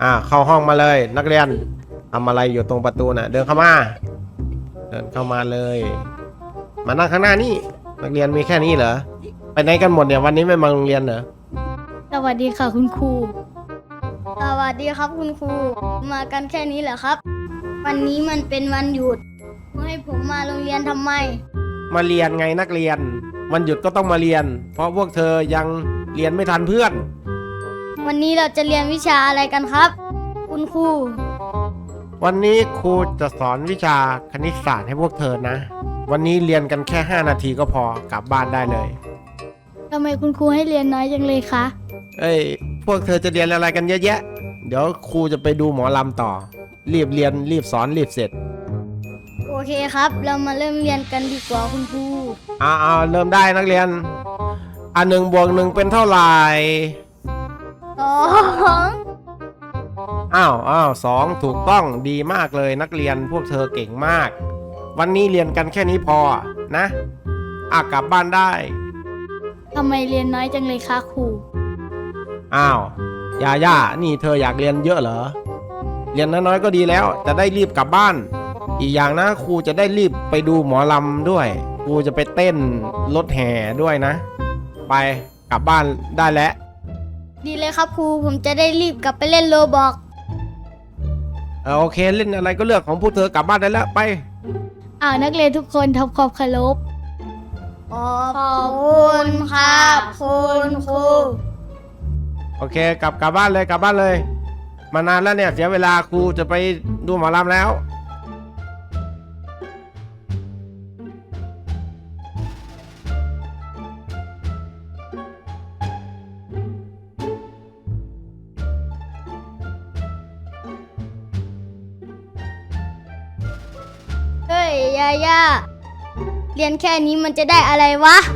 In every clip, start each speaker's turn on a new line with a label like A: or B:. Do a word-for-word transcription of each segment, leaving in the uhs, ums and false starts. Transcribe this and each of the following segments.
A: อ่าเข้าห้องมาเลยนักเรียนทำอะไรอยู่ตรงประตูน่ะเดินเข้ามาเดินเข้ามาเลยมานั่งข้างหน้านี่นักเรียนมีแค่นี้เหรอไปไหนกันหมดเนี่ยวันนี้ไม่มาโรงเรียนเหรอ
B: สวัสดีค่ะคุณครู
C: สวัสดีครับคุณครูมากันแค่นี้เหรอครับวันนี้มันเป็นวันหยุดให้ผมมาโรงเรียนทำไม
A: มาเรียนไงนักเรียนวันหยุดก็ต้องมาเรียนเพราะพวกเธอยังเรียนไม่ทันเพื่อน
C: วันนี้เราจะเรียนวิชาอะไรกันครับคุณครู
A: วันนี้ครูจะสอนวิชาคณิตศาสตร์ให้พวกเธอนะวันนี้เรียนกันแค่ห้านาทีก็พอกลับบ้านได้เลย
B: ทำไมคุณครูให้เรียนน้อยจังเลยคะ
A: เอ้ยพวกเธอจะเรียนอะไรกันเยอะแยะเดี๋ยวครูจะไปดูหมอลำต่อรีบเรียนรีบสอนรีบเสร็จ
C: โอเคครับเรามาเริ่มเรียนกันดีกว่าคุณครู
A: อ่าเอาเริ่มได้นักเรียนอันหนึ่งบวกหนึ่งเป็นเท่าไหร่
C: สอง
A: อ้าวอ้าวสองถูกต้องดีมากเลยนักเรียนพวกเธอเก่งมากวันนี้เรียนกันแค่นี้พอนะอ่ะกลับบ้านได้
B: ทำไมเรียนน้อยจังเลยคะครู
A: อ้าวย่าย่านี่เธออยากเรียนเยอะเหรอเรียนน้อยๆก็ดีแล้วจะได้รีบกลับบ้านอีกอย่างนะครูจะได้รีบไปดูหมอลำด้วยครูจะไปเต้นรถแห่ด้วยนะไปกลับบ้านได้แล้ว
C: ดีเลยครับครูผมจะได้รีบกลับไปเล่นโรบอก
A: เออโอเคเล่นอะไรก็เลือกของพวกเธอกลับบ้านได้แล้วไป
B: อ่านักเรียนทุกคนทำความเคารพ
C: ขอบคุณครับคุณครู
A: โอเคกลับกลับบ้านเลยกลับบ้านเลยมานานแล้วเนี่ยเสียเวลาครูจะไปดูหมอลำแล้ว
C: เฮ้ยยาย่าเรียนแค่นี้มันจะได้อะไรวะ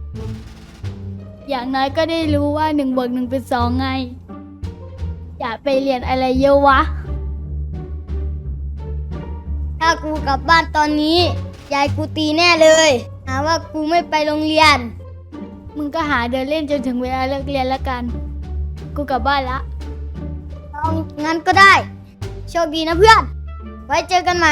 B: อย่างน้อยก็ได้รู้ว่าหนึ่งบวกหนึ่งเป็นสองไงอย่าไปเรียนอะไรเยอะวะ
C: ถ้ากูกลับบ้านตอนนี้ยายกูตีแน่เลยหาว่ากูไม่ไปโรงเรียน
B: มึงก็หาเดินเล่นจนถึงเวลาเลิกเรียนแล้วกันกูกลับบ้านละ
C: เอางั้นก็ได้โชคดีนะเพื่อนไว้เจอกันใหม่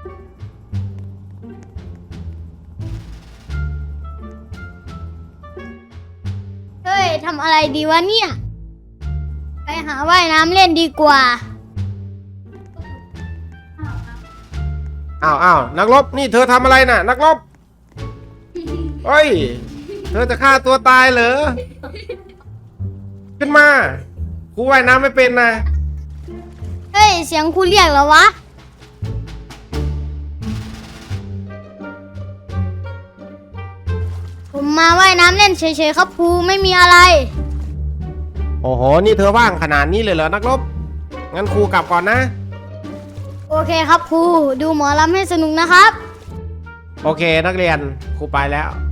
C: เฮ้ยทำอะไรดีวะเนี่ยไปหาว่ายน้ำเล่นดีกว่า
A: อ้าวอ้าวนักรบนี่เธอทำอะไรน่ะนักรบเฮ้ยเธอจะฆ่าตัวตายเหรอขึ้นมาครูว่ายน้ำไม่เป็นนะ
C: เฮ้ยเสียงครูเรียกเหรอวะผมมาว่ายน้ำเล่นเฉยๆครับครูไม่มีอะไร
A: โอ้โหนี่เธอว่างขนาดนี้เลยเหรอนักรบงั้นครูกลับก่อนนะ
C: โอเคครับครูดูหมอลำให้สนุกนะครับ
A: โอเคนักเรียนครูไปแล้ว